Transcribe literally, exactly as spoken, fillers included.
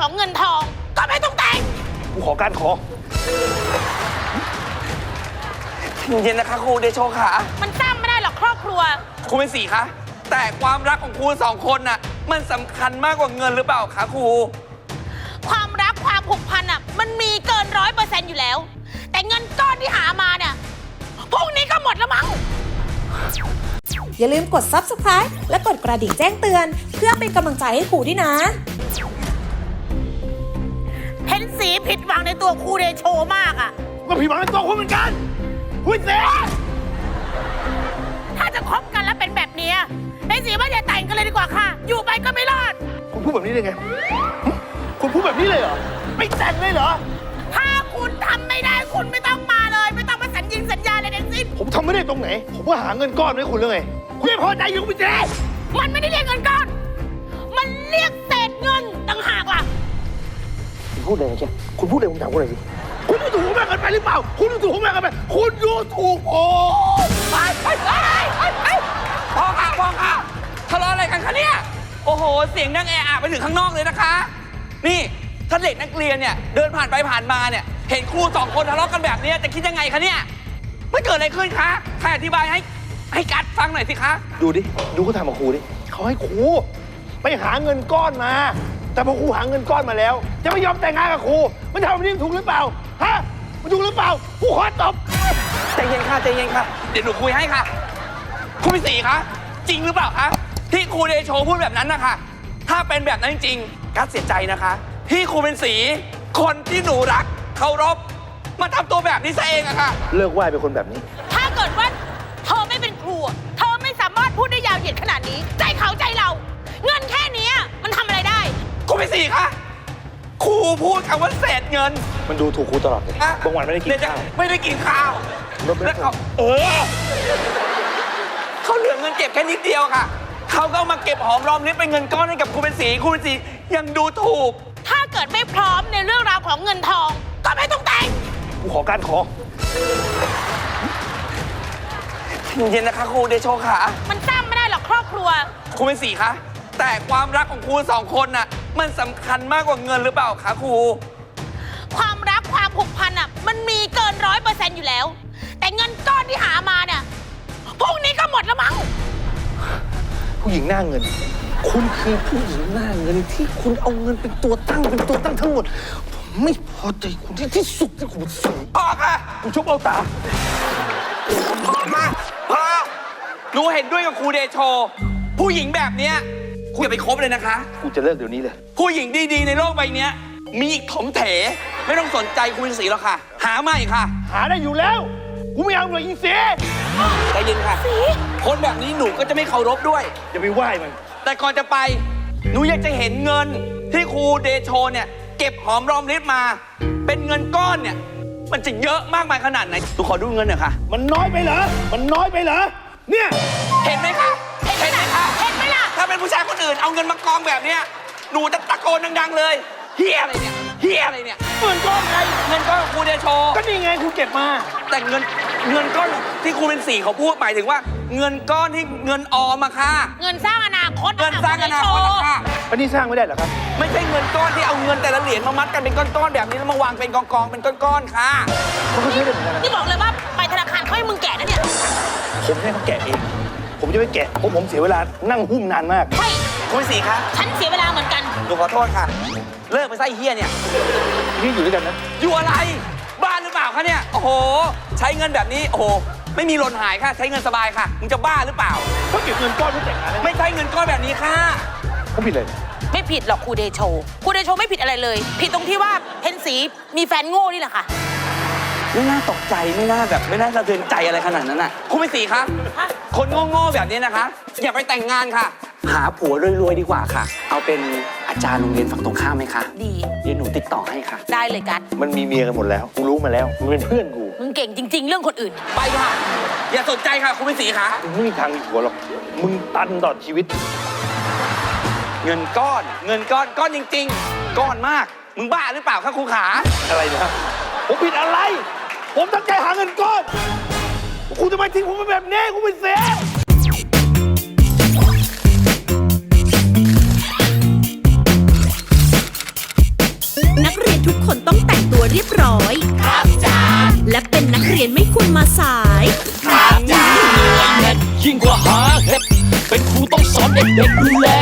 ของเงินทองก็ไม่ต้องแต่งกูขอการขอเย็นนะคะครูเดโชค่ะมันสร้างไม่ได้หรอกครอบครัวครูเป็นสีคะแต่ความรักของครูสองคนน่ะมันสำคัญมากกว่าเงินหรือเปล่าคะครูความรักความผูกพันอ่ะมันมีเกินร้อยเปอร์เซ็นต์อยู่แล้วแต่เงินก้อนที่หามาเนี่ยพรุ่งนี้ก็หมดแล้วมั้งอย่าลืมกด ซับสไครบ์ และกดกระดิ่งแจ้งเตือนเพื่อเป็นกำลังใจให้ครูด้วยนะเห็นสีผิดหวังในตัวครูเดโชมากอ่ะก็ผิดหวังในตัวคุณเหมือนกันคุณเสียถ้าจะคบกันแล้วเป็นแบบนี้เห็นสีว่าอย่าแต่งกันเลยดีกว่าค่ะอยู่ไปก็ไม่รอดคุณพูดแบบนี้ได้ไงคุณพูดแบบนี้เลยเหรอไม่แต่งเลยเหรอถ้าคุณทำไม่ได้คุณไม่ต้องมาเลยไม่ต้องมาสัญญิงสัญญาอะไรทั้งสิ้นผมทำไม่ได้ตรงไหนผมก็หาเงินก้อนให้คุณแล้วไงคุณไม่พอใจอยู่คุณเจ๊มันไม่ได้เรียกเงินก้อนมันเรียกเศษเงินต่างหากล่ะคุณพูดอะไรเจ๊คุณพูดอะไรผมถามคุณหน่อยสิคุณดูถูกผมมากเกินไปหรือเปล่าคุณดูถูกผมมากเกินไปคุณดูถูกผมไปไปไปไปพ่อค่ะพ่อค่ะทะเลาะอะไรกันคะเนี่ยโอ้โหเสียงดังแออะไปถึงข้างนอกเลยนะคะนี่ถ้าเด็กนักเรียนเนี่ยเดินผ่านไปผ่านมาเนี่ยเห็นครูสองคนทะเลาะกันแบบนี้จะคิดยังไงคะเนี่ยไม่เกิดอะไรขึ้นคะใครอธิบายให้ให้กัดฟังหน่อยสิคะดูดิดูเขาทำกับครูดิเขาให้ครูไปหาเงินก้อนมาแต่พอครูหาเงินก้อนมาแล้วจะไม่ยอมแต่งงานกับครูมันทำแบบนี้ถูกหรือเปล่าฮะมันถูกหรือเปล่าครูขอตบใจเย็นค่ะใจเย็นค่ะเดี๋ยวหนูคุยให้ค่ะครูพิศรีคะจริงหรือเปล่าคะที่ครูเดโชพูดแบบนั้นนะคะถ้าเป็นแบบนั้นจริงกัดเสียใจนะคะที่ครูเป็นสีคนที่หนูรักเคารพมาทำตัวแบบนี้ซะเองอะค่ะเลิกไหว้เป็นคนแบบนี้ถ้าเกิดว่าเธอไม่เป็นครูเธอไม่สามารถพูดได้ยาวเหยียดขนาดนี้ใจเขาใจเราเงินแค่นี้มันทำอะไรได้ครูเป็นสีคะครูพูดคำว่าเศษเงินมันดูถูกครูตลอดเลยบางวันไม่ได้กินข้าวไม่ได้กินข้าวแล้วเขาเออเขาเหลือเงินเก็บแค่นิดเดียวค่ะเขาก็มาเก็บหอมรอมริบเป็นเงินก้อนให้กับครูเป็นสีครูเป็นสียังดูถูกถ้าเกิดไม่พร้อมในเรื่องราวของเงินทองก็ไม่ต้องแต่งกูขอการขอเย็นนะคะครูเดโชค่ะมันสร้างไม่ได้หรอกครอบครัวครูเป็นสีคะแต่ความรักของครูสองคนน่ะมันสำคัญมากกว่าเงินหรือเปล่าคะครูความรักความผูกพันอ่ะมันมีเกินร้อยเปอร์เซ็นต์อยู่แล้วแต่เงินก้อนที่หามาเนี่ยพรุ่งนี้ก็หมดแล้วมั้งผู้หญิงหน้าเงินคุณคือผู้หญิงหน้าเงินที่คุณเอาเงินเป็นตัวตั้งเป็นตัวตั้งทั้งหมดผมไม่พอใจคุณที่ที่สุดที่คุณสั่งพ่อค่ะคุณชอบเอาตาพ่อค่ะพ่อหนูเห็นด้วยกับครูเดโชผู้หญิงแบบเนี้ยคุณอย่าไปคบเลยนะคะกูจะเลิกเดี๋ยวนี้เลยผู้หญิงดีๆในโลกใบนี้มีอีกถมเถไม่ต้องสนใจคุณสีหรอกค่ะหาใหม่ค่ะหาได้อยู่แล้วกูไม่เอาเลยยิงเสียใจเย็นค่ะคนแบบนี้หนูก็จะไม่เคารพด้วยอย่าไปไหว้มันแต่ก่อนจะไปหนูอยากจะเห็นเงินที่ครูเดโชเนี่ยเก็บหอมรอมริบมาเป็นเงินก้อนเนี่ยมันจะเยอะมากมายขนาดไหนหนูขอดูเงินหน่อยค่ะมันน้อยไปเหรอมันน้อยไปเหรอเนี่ยเห็นไหมคะเห็นไหมคะเห็นไหมล่ะถ้าเป็นผู้ชายคนอื่นเอาเงินมากองแบบเนี้ยหนูจะตะโกนดังๆเลยเฮียอะไรเนี่ยเฮียอะไรเนี่ยเงินก้อนไงเงินก้อนของครูเดโชก็นี่ไงครูเก็บมาแต่เงินเงินก้อนที่ครูเป็นสีเขาพูดหมายถึงว่าเงินก้อนที่เงินออมอะค่ะเงินสร้างอนาคตเงินสร้างอนาคตค่ะอันนี้สร้างไม่ได้เหรอครับไม่ใช่เงินก้อนที่เอาเงินแต่ละเหรียญมามัดกันเป็นก้อนๆแบบนี้แล้วมาวางเป็นกองๆเป็นก้อนๆค่ะเขาก็ใช้ได้เหมือนกันนี่บอกเลยว่าไปธนาคารเขาให้มึงแกะนะเนี่ยผมให้เขาแกะเองผมจะไม่แกะเพราะผมเสียเวลานั่งหุ้มนานมากใช่คุณสีคะฉันเสียเวลาเหมือนกันหนูขอโทษค่ะเลิกไปไส้เฮียเนี่ยนี่อยู่ด้วยกันนะอยู่อะไรบ้านหรือเปล่าคะเนี่ยโอ้โหใช้เงินแบบนี้โอ้โหไม่มีหล่นหายค่ะใช้เงินสบายค่ะมึงจะบ้าหรือเปล่าเขาเก็บเงินก้อนเพื่อแต่งงานไม่ใช่เงินก้อนแบบนี้ค่ะเขาผิดอะไรไม่ผิดหรอกครูเดโชครูเดโชไม่ผิดอะไรเลยผิดตรงที่ว่าเพนสีมีแฟนโง่นี่แหละค่ะไม่น่าตกใจไม่น่าแบบไม่น่าสะเทือนใจอะไรขนาดนั้นน่ะครูเป็นสีคะคนโง่ๆแบบนี้นะคะอย่าไปแต่งงานค่ะหาผัวรวยๆดีกว่าค่ะเอาเป็นอาจารย์โรงเรียนฝั่งตรงข้ามไหมคะดีเดี๋ยวหนูติดต่อให้ค่ะได้เลยกัสมันมีเมียกันหมดแล้วกูรู้มาแล้วมึงเป็นเพื่อนกูมึงเก่งจริงๆเรื่องคนอื่นไปค่ะอย่าสนใจค่ะครูเป็นสีคะมึงไม่มีทางมีผัวหรอกมึงตันต่อชีวิตเงินก้อนเงินก้อนก้อนจริงๆก้อนมากมึงบ้าหรือเปล่าคะครูขาอะไรนะผมผิดอะไรผมตั้งใจหาเงินก้อนคุณทำไมทิ้งผมไปแบบนี้คุณเป็นเสียกคนต้องแต่งตัวเรียบร้อย ครับจ้าและเป็นนักเรียนไม่ควรมาสายยิ่งกว่าหาเห็ดเป็นครูต้องสอนเด็กๆดูแล